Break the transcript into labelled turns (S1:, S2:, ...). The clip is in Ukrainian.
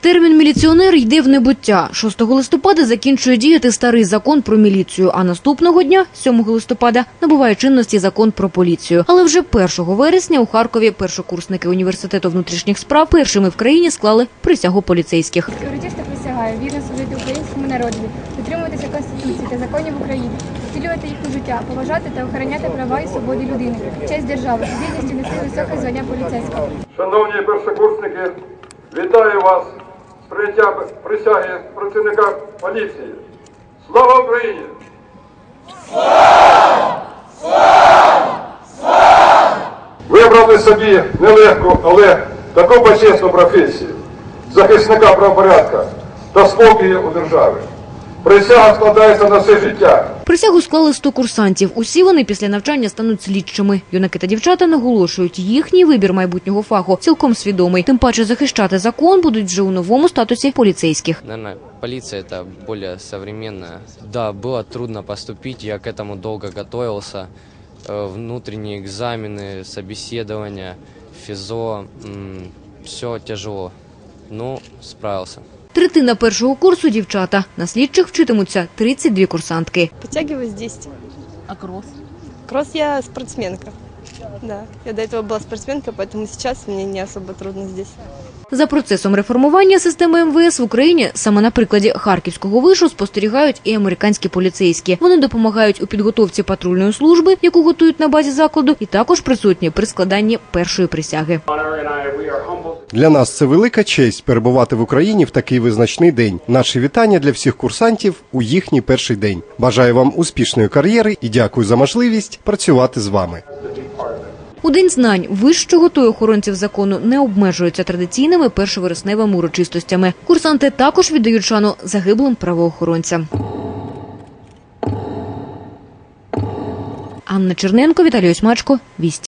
S1: Термін «міліціонер» йде в небуття. 6 листопада закінчує діяти старий закон про міліцію, а наступного дня, 7 листопада, набуває чинності закон про поліцію. Але вже 1 вересня у Харкові першокурсники університету внутрішніх справ першими в країні склали присягу поліцейських.
S2: Урочисто присягаю вірно служити українському народу, дотримуватися Конституції та законів України, втілювати їх у життя, поважати та охороняти права і свободи людини, честь держави, з гідністю нести високе звання поліцейського.
S3: Шановні першокурсники, вітаю вас з прийняттям присяги працівника поліції. Слава Україні! Вибрали собі нелегку, але таку почесну професію – захисника правопорядку та спокою у державі. Присяга складається на все життя.
S1: Присягу склали 100 курсантів. Усі вони після навчання стануть слідчими. Юнаки та дівчата наголошують, їхній вибір майбутнього фаху цілком свідомий. Тим паче захищати закон будуть вже у новому статусі поліцейських.
S4: Наверное, полиция – это более современная. Да, было трудно поступить, я к этому долго готовился. Внутренние экзамены, собеседования, физо, все тяжело, но справился.
S1: Третина першого курсу – дівчата. На слідчих вчитимуться 32 курсантки.
S5: Подтягиваюсь 10.
S6: А кросс?
S5: Кросс я спортсменка. Да, я до этого была спортсменка, поэтому сейчас мне не особо трудно здесь.
S1: За процесом реформування системи МВС в Україні саме на прикладі Харківського вишу спостерігають і американські поліцейські. Вони допомагають у підготовці патрульної служби, яку готують на базі закладу, і також присутні при складанні першої присяги.
S7: Для нас це велика честь перебувати в Україні в такий визначний день. Наші вітання для всіх курсантів у їхній перший день. Бажаю вам успішної кар'єри і дякую за можливість працювати з вами.
S1: У День знань вищого та охоронців закону не обмежуються традиційними першовересневими урочистостями. Курсанти також віддають шану загиблим правоохоронцям. Анна Черненко, Віталій Осьмачко, Вісті.